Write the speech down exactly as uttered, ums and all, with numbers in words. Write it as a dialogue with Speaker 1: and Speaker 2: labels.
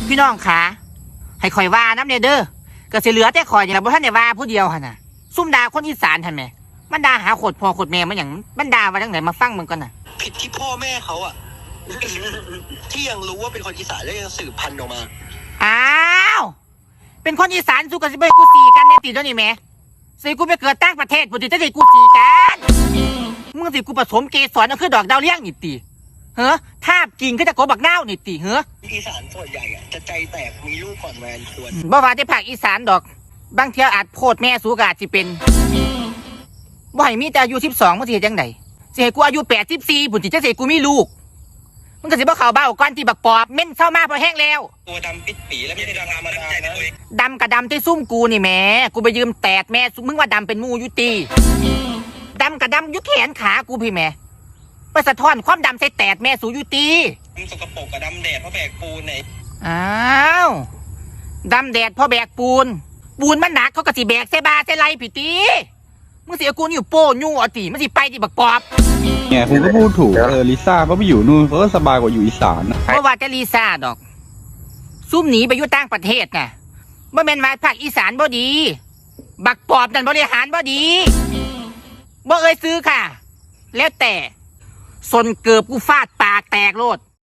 Speaker 1: พี่น้องขาให้คอยว่าน้ำเนเด้อก็สิเหลือแต่คอยอย่างละบ่ท่านได้ว่าผู้เดียวหั่นน่ะซุ่มด่าคนอีสานทันไหมมันด่าหาโคตรพ่อโคตรแม่มันอย่างมันด่าว่าจังไหนมาฟังมึงก่อนน่ะ
Speaker 2: ผิดที่พ่อแม่เขาอะ ที่ยังรู้ว่าเป็นคนอีสานแล้วยังสืบพันธุ์ออกมา
Speaker 1: อ้าวเป็นคนอีสานสู้กันสิบ่ให้กูสีกันแน่ติเดี๋ยวนี้แม่สิกูไปเกิดต่างประเทศบ่ติจะได้กูสีกันมึงสิกูผสมเกสรเอาคือดอกดาวเรืองนี่ติเฮ้อทาบกิ่งคือจะโกบักนาวนี่ติเฮ้อ
Speaker 2: อีสานส่วนใหญ่อะจะใจแตกมีลูกก่อนแมนส่วน
Speaker 1: บ่ว่าแต่ภาคอีสานดอกบางเที่ยวอาจโพดแม่สูกอาจสิเป็นบ่ให้มีแต่อายุสิบสองมึงสิเฮ็ดจังไดสิให้กูอายุแปดสิบสี่พุ่นสิจังสิกูมีลูกมึงก็สิบ่เข้าเบ้าก่อนที่บักปอบเม่นเศร้ามาพอแห้งแล้ว
Speaker 2: ตัวดำปิดปีแล้วไม่ได้ดำธรรมดานะ
Speaker 1: ดำกับดำที่ซุ่มกูนี่แม่กูไปยืมแตดแม่มึงว่าดำเป็นมูยุตีดำกับดำยุแขนขากูพี่แม่ไปสะท้อนความดำใส่แตดแม่สูยุตี
Speaker 2: มึงสกปรกกับดำแดดเพราะแบกปูนไหน
Speaker 1: อ้าวดำแดดเพราะแบกปูนปูนมันหนักเขาก็สิแบกใส่บาใส่ไรพี่ตีมึงเสียกูอยู่โป้ยู่อ่ะตีมันสิไปที่บักปอบ
Speaker 3: เนี่ยคุณก็พูดถูกเออลิซ่าก็ไปอยู่นู่นเขาก็สบายกว่าอยู่อีสานนะ
Speaker 1: เพราะว่าจะลิซ่าดอกซุ่มหนีไปอยู่ต่างประเทศน่ะเมื่อแม่นว่าภาคอีสานบ่ดีบักปอบนั่นบริหารบ่ดีบ่เอ่ยซื้อค่ะแล้วแต่สนเกือบกูฟาดปากแตกโลด